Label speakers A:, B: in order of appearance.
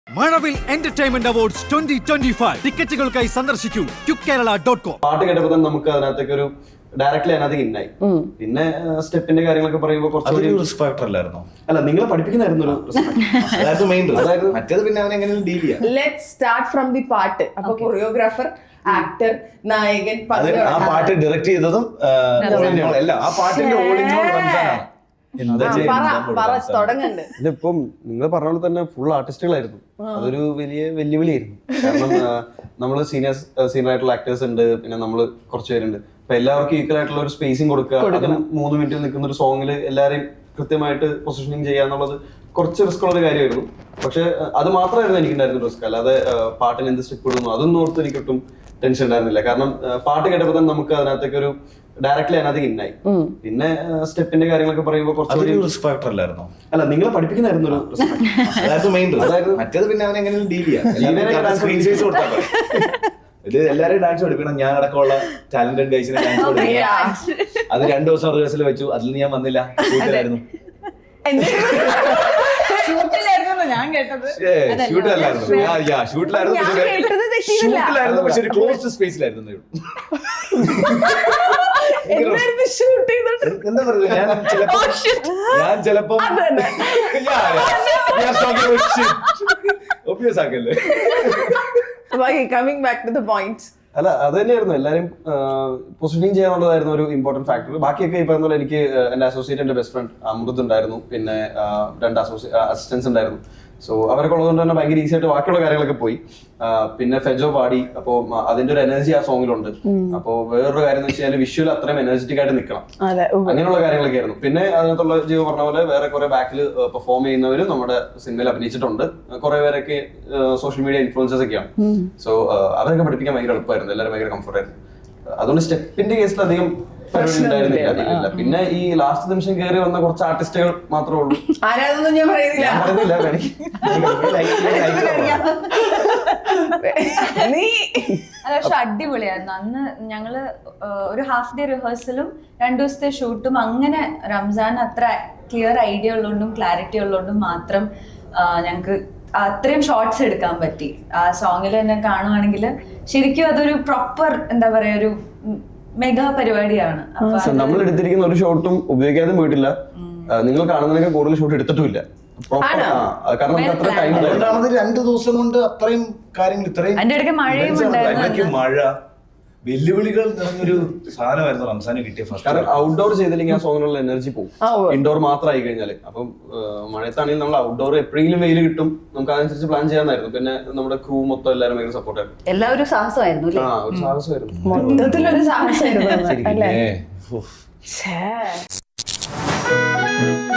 A: മഴവിൽ entertainment awards 2025 ടിക്കറ്റുകൾക്കായി സന്ദർശിക്കൂ QKerala.com.
B: പാട്ട് കേട്ടപ്പോൾ തന്നെ നമുക്ക് അതിനകത്തേക്ക് ഒരു ഡയറക്റ്റ്ലി അതിനകത്ത് ഇന്നായി. പിന്നെ സ്റ്റെപ്പിന്റെ കാര്യങ്ങളൊക്കെ പറയുമ്പോൾ കുറച്ചുകൂടി
C: റിസ്ക് ഫാക്ടർ അല്ലായിരുന്നോ?
B: അല്ല, നിങ്ങളെ പഠിപ്പിക്കുന്നായിരുന്നു ഒരു
C: അതായത് മെയിൻ മറ്റേത് പിന്നെ അവൻ എങ്ങനെ ഡീൽ ചെയ്യാം.
D: ലെറ്റ്സ് സ്റ്റാർട്ട് ഫ്രം ദി പാട്ട്. അപ്പൊ കൊറിയോഗ്രാഫർ, ആക്ടർ, നായകൻ,
C: ആ പാട്ട് ഡയറക്ട് ചെയ്തതും അല്ല, ആ പാട്ടിന്റെ ഓളിംഗ് റംസാനാണ്.
D: തുടങ്ങണ്ട്.
B: ഇപ്പം നിങ്ങൾ പറഞ്ഞ പോലെ തന്നെ ഫുൾ ആർട്ടിസ്റ്റുകളായിരുന്നു. അതൊരു വലിയ വെല്ലുവിളിയായിരുന്നു. കാരണം നമ്മള് സീനിയർ ആയിട്ടുള്ള ആക്ടേഴ്സ് ഉണ്ട്, പിന്നെ നമ്മള് കുറച്ച് പേരുണ്ട്. അപ്പൊ എല്ലാവർക്കും ഈക്വൽ ആയിട്ടുള്ള ഒരു സ്പേസിങ് കൊടുക്കുക. അതും 3 മിനിറ്റ് നിൽക്കുന്ന ഒരു സോങ്ങിൽ എല്ലാരെയും കൃത്യമായിട്ട് പൊസിഷനിങ് ചെയ്യുക എന്നുള്ളത് കുറച്ച് റിസ്ക് ഉള്ള ഒരു കാര്യമായിരുന്നു. പക്ഷെ അത് മാത്രമായിരുന്നു എനിക്കുണ്ടായിരുന്ന റിസ്ക്. അല്ലാതെ പാട്ടിന് എന്ത് സ്റ്റെപ്പ് ഇടുന്നു അതൊന്നും ഓർത്ത് എനിക്കൊട്ടും ടെൻഷൻ ഉണ്ടായിരുന്നില്ല. കാരണം പാട്ട് കേട്ടപ്പോൾ തന്നെ നമുക്ക് അതിനകത്തേക്ക് ഒരു ഡയറക്റ്റ്ലി അതിനകത്ത് ഇന്നായി. പിന്നെ സ്റ്റെപ്പിന്റെ കാര്യങ്ങളൊക്കെ പറയുമ്പോൾ കുറച്ചുകൂടി
C: റിസ്ക് ഫാക്ടർ അല്ലായിരുന്നോ?
B: അല്ല, നിങ്ങളെ പഠിപ്പിക്കുന്നായിരുന്നു ഒരു
C: അതായത് മെയിൻ മറ്റേത് പിന്നെ അവൻ എങ്ങനെ ഡീൽ ചെയ്യാം. ഇത് എല്ലാവരും ഡാൻസ് പഠിപ്പിക്കണം. ഞാൻ അടക്കമുള്ള ടാലന്റഡ് ഗൈസിനെ ഡാൻസ് പഠിപ്പിക്കണം. അത് 2 ദിവസം റിഹേഴ്സൽ വെച്ചു. അതിൽ ഞാൻ വന്നില്ല, ഷൂട്ടിലായിരുന്നു.
D: ഞാൻ കേട്ടത്
C: ഷൂട്ടിലായിരുന്നു, പക്ഷെ ഒരു ക്ലോസ്ഡ് സ്പേസിലായിരുന്നു. എന്താ പറയുക, ഞാൻ ചിലപ്പോ ഒബ്വിയസ് ആക്കല്ലേ.
D: Coming back to the point.
B: അല്ല, അത് തന്നെയായിരുന്നു എല്ലാരും പൊസിഷനിങ് ചെയ്യാന്നുള്ളതായിരുന്നു ഒരു ഇമ്പോർട്ടന്റ് ഫാക്ടർ. ബാക്കിയൊക്കെ ഈ പറഞ്ഞ പോലെ എനിക്ക് എന്റെ അസോസിയേറ്റ്, എന്റെ ബെസ്റ്റ് ഫ്രണ്ട് അമൃത് ഉണ്ടായിരുന്നു. പിന്നെ 2 അസിസ്റ്റൻസ് ഉണ്ടായിരുന്നു. സോ അവരൊക്കെ ഉള്ളതുകൊണ്ട് തന്നെ ഭയങ്കര ഈസി ആയിട്ട് ബാക്കിയുള്ള കാര്യങ്ങളൊക്കെ പോയി. പിന്നെ ഫെജോ പാടി. അപ്പോ അതിന്റെ ഒരു എനർജി ആ സോങ്ങിലുണ്ട്. അപ്പോ വേറൊരു കാര്യം എന്ന് വെച്ചാൽ വിഷ്വൽ അത്രയും എനർജറ്റിക് ആയിട്ട് നിൽക്കണം. അങ്ങനെയുള്ള കാര്യങ്ങളൊക്കെ ആയിരുന്നു. പിന്നെ അതിനകത്തുള്ള ജീവ പറഞ്ഞ പോലെ വേറെ കുറെ ബാക്കിൽ പെർഫോം ചെയ്യുന്നവരും നമ്മുടെ സിനിമയിൽ അഭിനയിച്ചിട്ടുണ്ട്. കുറെ പേരൊക്കെ സോഷ്യൽ മീഡിയ ഇൻഫ്ലുവൻസേഴ്സ് ഒക്കെയാണ്. സോ അവരൊക്കെ പഠിപ്പിക്കാൻ ഭയങ്കര എളുപ്പമായിരുന്നു. എല്ലാവരും ഭയങ്കര കംഫർട്ട് ആയിരുന്നു. അതുകൊണ്ട് സ്റ്റെപ്പിന്റെ കേസിൽ അധികം ഉണ്ടായിരുന്നില്ല. പിന്നെ ഈ ലാസ്റ്റ് നിമിഷം കയറി വന്ന കുറച്ച് ആർട്ടിസ്റ്റുകൾ മാത്രമേ ഉള്ളൂ.
D: ആരാതൊന്നും ഞാൻ പറയുന്നില്ല.
E: പക്ഷെ അടിപൊളിയായിരുന്നു. അന്ന് ഞങ്ങള് ഒരു ഹാഫ് ഡേ റിഹേഴ്സലും 2 ദിവസത്തെ ഷൂട്ടും, അങ്ങനെ റംസാൻ അത്ര ക്ലിയർ ഐഡിയ ഉള്ളതുകൊണ്ടും ക്ലാരിറ്റി ഉള്ളതുകൊണ്ടും മാത്രം ഞങ്ങക്ക് അത്രയും ഷോർട്സ് എടുക്കാൻ പറ്റി. ആ സോങ്ങിൽ തന്നെ കാണുവാണെങ്കിൽ ശരിക്കും അതൊരു പ്രോപ്പർ എന്താ പറയാ ഒരു മെഗാ പരിപാടിയാണ്.
B: നമ്മൾ എടുത്തിരിക്കുന്ന ഒരു ഷോട്ടും ഉപയോഗിക്കാതെ പോയിട്ടില്ല. നിങ്ങൾ കാണുന്നതിനൊക്കെ കൂടുതൽ ഷോട്ട് എടുത്തിട്ടുമില്ല. കാരണം നമുക്ക് അത്ര ടൈം
C: രണ്ടാമത് 2 ദിവസം കൊണ്ട് അത്രയും കാര്യങ്ങൾ, ഇത്രയും
E: അതിന്റെ ഇടയ്ക്ക് മഴയും ഉണ്ടായിരുന്നു.
C: മഴ, വെല്ലുവിളികൾ നിറഞ്ഞൊരു സാധനമായിരുന്നു റംസാന് കിട്ടിയ ഫസ്റ്റ്.
B: കാരണം ഔട്ട്ഡോർ ചെയ്തില്ലെങ്കിൽ ആ സോങ്ങിനുള്ള എനർജി പോകും. ഇൻഡോർ മാത്രമായി കഴിഞ്ഞാൽ. അപ്പം മഴയത്താണെങ്കിൽ നമ്മൾ ഔട്ട്ഡോർ എപ്പോഴെങ്കിലും വെയിൽ കിട്ടും, നമുക്ക് അതനുസരിച്ച് പ്ലാൻ ചെയ്യാനായിരുന്നു. പിന്നെ നമ്മുടെ ക്രൂ മൊത്തം എല്ലാവരും ഭയങ്കര സപ്പോർട്ടായിരുന്നു.
F: എല്ലാവരും സാഹസമായിരുന്നു.
B: ഒരു സാഹസമായിരുന്നു,
D: മൊത്തത്തിലൊരു സാഹസമായിരുന്നു.